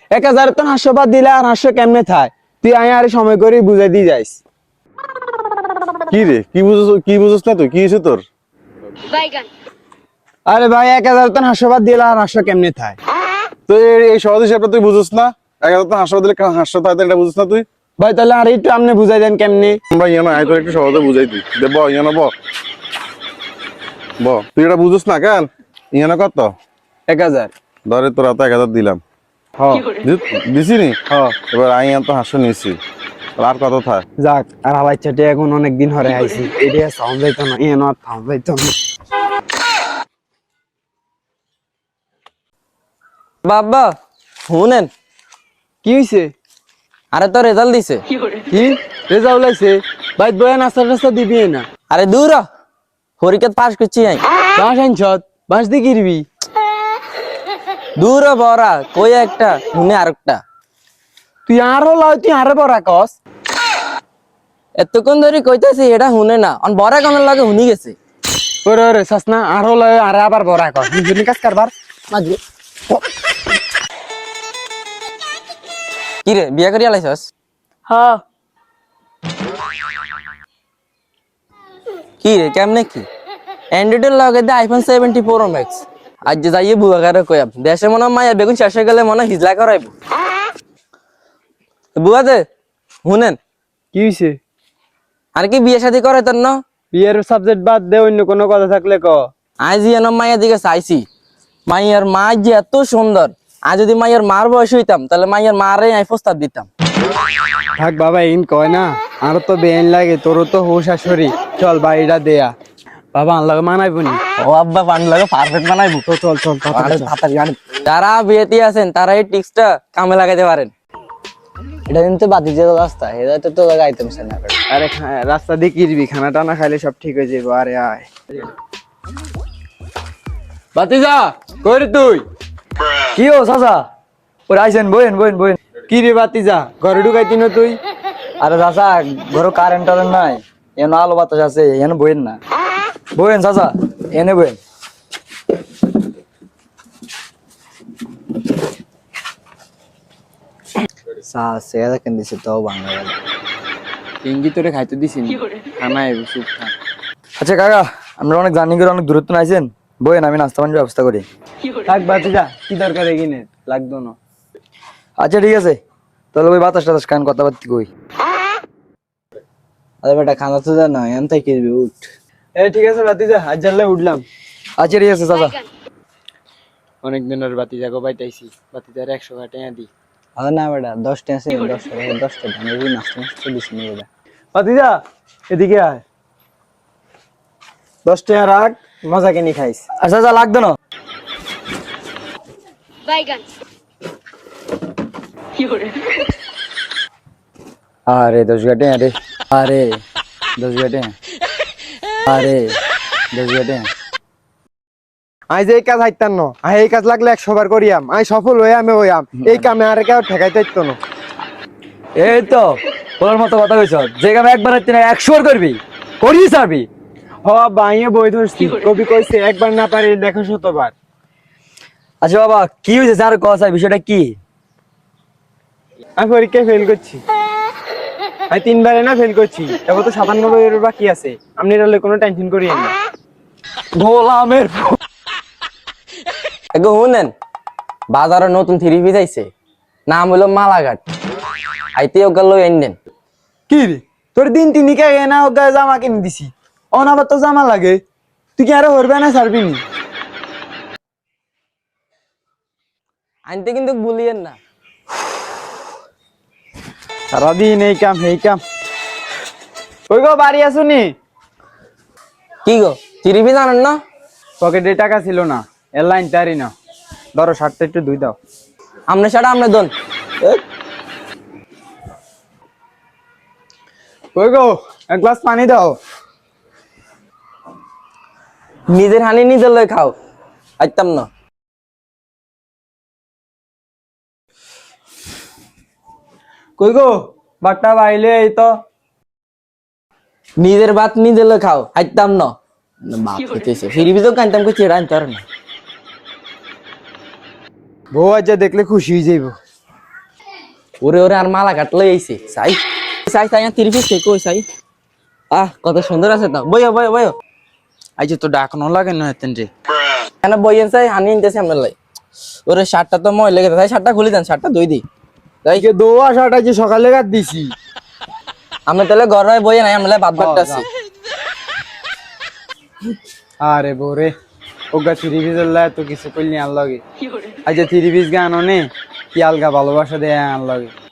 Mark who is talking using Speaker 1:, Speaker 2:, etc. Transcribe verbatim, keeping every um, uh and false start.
Speaker 1: এক হাজার তো হাস্য বাদ দিলে আর হাস্য কেমনে থায় তুই আয় আরে সময় করে বুঝাই দিয়ে যাইস।
Speaker 2: কি রে কি বুঝছ কি বুঝছ না তুই কি হয়েছে তোর?
Speaker 1: আরে ভাই এক হাজার তো হাস্য বাদ দিলে আর হাস্য কেমনে থায়?
Speaker 2: তো এই- এই সহজ হিসাবটা তুই বুঝছ না? এক হাজার তো হাসপাতাল দিলে হাস্য থাকে এটা বুঝছ না তুই?
Speaker 1: ভাই তাহলে আর একটু আপনি বুঝাই দেন কেমনে?
Speaker 2: ভাই ইয়ানো আয় তোর একটু সহজে বুঝাই দিই দে ব ইয়ানো ব ব তুই এটা বুঝছ না কেন? ইয়ানো কত?
Speaker 1: এক হাজার।
Speaker 2: ধরে তোরা তো এক হাজার দিলাম
Speaker 1: হ
Speaker 2: দিছি নি?
Speaker 1: হ
Speaker 2: এবার আই তো হাস্য নিছি আর কত থাক?
Speaker 1: যাক আর হালাই চাটে এখন অনেক দিন হরে আইছি এটা সাউন্ড যাইতো না এ না সাউন্ড যাইতো না।
Speaker 3: বাবা শুনেন,
Speaker 1: কি হইছে?
Speaker 3: আরে তো রেজাল্ট দিছে।
Speaker 1: কি রেজাল্ট আইছে? ভাই বয়া নাস্তা টাস্তা দিবি না?
Speaker 3: আরে দূর হ, পরীক্ষা পাস করছি আই।
Speaker 1: বাস আনছত বাস দিয়ে কিরবি?
Speaker 3: দূর হ বড়া কই একটা শুনে আরেকটা।
Speaker 1: তুই আরো লয় তুই আরো বড় কস।
Speaker 3: এতক্ষণ ধরে কইতাছি এটা শুনে না, অন বড়া কোন লাগে শুনি গেছে।
Speaker 1: ওরে ওরে সাসনা আরো লয় আরে আবার বড় কস দুজনে কাজ কারবার মাঝে।
Speaker 3: কি রে বিয়া করি আলাইছস?
Speaker 1: হ্যাঁ
Speaker 3: কি রে কেমনে কি? অ্যান্ড্রয়েডের লগে দে আইফোন সেভেন্টি ফোর ম্যাক্স। আজ যে যাইয়ে বুয়া করে কইয়াম দেশে মনে হয় মায়া বেগুন শেষ হয়ে গেলে মনে হয় হিজলা করাইব। বুয়া দে শুনেন,
Speaker 1: কি হইছে?
Speaker 3: আর কি বিয়ে শাদী করে তোর না?
Speaker 1: বিয়ের সাবজেক্ট বাদ দে অন্য কোনো কথা থাকলে ক।
Speaker 3: আজ এন মাইয়ার দিকে চাইছি, মাইয়ার মা যে এত সুন্দর, আজ যদি মাইয়ার মার বয়স হইতাম তাহলে মাইয়ার মারে আমি প্রস্তাব দিতাম।
Speaker 1: থাক বাবা ইন কয় না আর তো বেআইন লাগে তোরও তো হোশ আসরি চল বাড়িটা দেয়া বাবা আনলাগে মানাইবো নি।
Speaker 3: ও আব্বা পান লাগে পারফেক্ট বানাইবো।
Speaker 1: তো চল চল তাড়াতাড়ি চল।
Speaker 3: যারা বিয়েতে আছেন তারা এই টিক্সটা কামে লাগাইতে পারেন। এটা কিন্তু বাতি যে রাস্তা এটা তো তো লাগাইতাম না।
Speaker 1: আরে খা- রাস্তা দিয়ে কিরবি খানা টানা খাইলে সব ঠিক হয়ে যাবো। আরে আয় বাতিজা কই রে তুই?
Speaker 4: কি ও চাচা ওরা আইসেন বইন বইন বইন।
Speaker 1: কি রে বাতিজা ঘরে ঢুকাইতি না তুই?
Speaker 4: আরে চাচা ঘরে কারেন্ট টারেন্ট নাই, এনে আলো বাতাস আছে, এনে বইন না। বইন চাচা এনে বইন।
Speaker 1: টেঙ্গি তোরে খাইতে দিছি না খানা আইবো চুপ থাক।
Speaker 4: আচ্ছা কাকা আমরা অনেক জার্নি করে অনেক দূরত্ব নাইছেন, বইন আমি নাস্তা পানির ব্যবস্থা করি।
Speaker 1: থাক বাতিজা কি দরকার এগিনে লাগতো না।
Speaker 4: আচ্ছা ঠিক আছে তাহলে ওই বাতাস টাতাস খান কথাবার্তি কই।
Speaker 3: আরে বেটা খানা তো জানা এনতে কিরবি উঠ।
Speaker 1: এ ঠিক আছে বাতিজা আজ জানলে উঠলাম।
Speaker 4: আচ্ছা ঠিক আছে চাচা।
Speaker 1: অনেক দিনের বাতিজা গো পাইতাইছি বাতিজার একশো টাকা দি।
Speaker 3: আরে না বেটা দশটা আছে দশটা দশটা ধানের নাস্তা নাস্তা দিছি না বেটা।
Speaker 1: বাতিজা এদিকে আয় দশ টাকা রাখ মজা কিনে খাইস।
Speaker 4: আচ্ছা চাচা লাগতো না। আরে দশ ঘাটে আরে আরে দশ ঘাটে আরে দশ ঘাটে।
Speaker 1: আই যে এই কাজ হাইতাম না আই এই কাজ লাগলে একশো বার করিয়াম আই সফল হয়ে আমি হইয়াম এই কামে আর কেউ ঠেকাইতে ইতো না।
Speaker 4: এই তো বলার মতো কথা কইছ, যে কাম একবার তুই একশো বার করবি করিস পারবি।
Speaker 1: হ বাইয়ে বই ধরছি কবি কইছে একবার না পারি দেখো শতবার।
Speaker 4: আচ্ছা বাবা কি হয়েছে স্যার কথা বিষয়টা কি?
Speaker 1: আমি পরীক্ষায় ফেল করছি আমি তিনবারে না ফেল করছি এবার তো সাতান্নব্বই এর বাকি আছে আপনি তাহলে কোনো টেনশন করিয়েন না।
Speaker 4: গোলামের
Speaker 3: এগো শুনেন, বাজারে নতুন থ্রি পিস আইছে, নাম হলো মালাঘাট। আইতে ওগুলো লই আইনেন।
Speaker 1: কি রে তোর দিন তিনি কে না ওগা জামা কিনে দিছি অন আবার তো জামা লাগে তুই কি আরো হরবে না ছাড়বি নি?
Speaker 3: আনতে কিন্তু ভুলিয়েন না।
Speaker 1: সারাদিন এই কাম এই কাম। ওই গো বাড়ি আসুনি?
Speaker 3: কি গো থ্রি পিস আনেন না?
Speaker 1: পকেটে টাকা ছিল না এর লাইন তারি না ধরো শার্টটা একটু ধুই দাও।
Speaker 3: আমনে সেটা আমনে দন।
Speaker 1: ওই গো এক গ্লাস পানি দাও।
Speaker 3: নিজের হানি নিজের লই খাও, আইতাম না।
Speaker 1: কই গো বাট্টা বাইলে এই তো
Speaker 3: নিজের ভাত নিজের লই খাও, আইতাম না। বাপ হইতেছে ফিরি বিজো কানতাম কই চেড়া আনতার না।
Speaker 1: বউ আজ দেখলে খুশি হয়ে যাইব।
Speaker 3: ওরে ওরে আর মালা কাটলে আইছে সাই সাই সাই তিরিশ পিস কেক কই সাই আহ কত সুন্দর আছে তো বইও বইও বইও
Speaker 1: আজ তো ডাকনো লাগে না হেতেন রে
Speaker 3: কেন বইয়েন চাই হানি নিতেছি আমরা লাই ওরে শার্টটা তো মই লেগে তাই শার্টটা খুলে দেন শার্টটা ধুই দি তাই
Speaker 1: এই দোয়া শাটা যে সকালে কাট দিছি
Speaker 3: আমি তাহলে ঘরে বইয়ে নাই আমরা বাদ বাদটা আছি
Speaker 1: আরে বোরে ওগা থ্রি পিসের লাই তো কিছু কইলি আন লাগে আজ থ্রি পিস গান নে কি আলগা ভালোবাসা দেয় আন লাগে